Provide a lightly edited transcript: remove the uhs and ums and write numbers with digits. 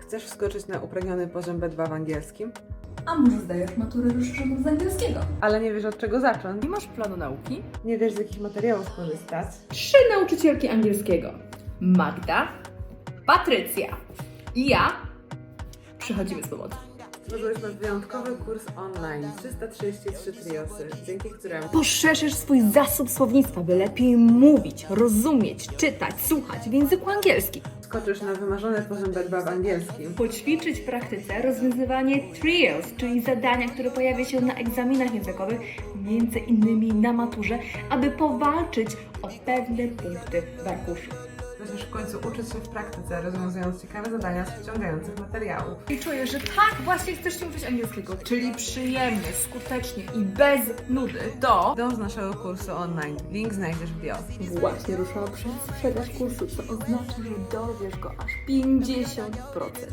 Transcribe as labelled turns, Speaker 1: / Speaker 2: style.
Speaker 1: Chcesz wskoczyć na upragniony poziom B2 w angielskim,
Speaker 2: A może zdajesz maturę rozszerzoną z angielskiego?
Speaker 1: ale nie wiesz od czego zacząć?
Speaker 2: Nie masz planu nauki?
Speaker 1: Nie wiesz z jakich materiałów korzystać?
Speaker 2: 3 nauczycielki angielskiego. Magda, Patrycja i ja przychodzimy z pomocą.
Speaker 1: Stworzyliśmy wyjątkowy kurs online 333 triosy, dzięki któremu
Speaker 2: Poszerzysz swój zasób słownictwa, by lepiej mówić, rozumieć, czytać, słuchać w języku angielskim.
Speaker 1: skoczysz na wymarzony poziom B2 w angielskim.
Speaker 2: Poćwiczyć w praktyce rozwiązywanie trios, czyli zadania, które pojawia się na egzaminach językowych, między innymi na maturze, aby powalczyć o pewne punkty w arkuszu.
Speaker 1: Będziesz w końcu uczyć się w praktyce, rozwiązując ciekawe zadania z wciągających materiałów.
Speaker 2: I czuję, że tak właśnie chcesz się uczyć angielskiego, czyli przyjemnie, skutecznie i bez nudy, to
Speaker 1: Dąż naszego kursu online. Link znajdziesz w bio.
Speaker 2: właśnie ruszyła sprzedaż kursu, co oznacza, że dorwiesz go aż 50%.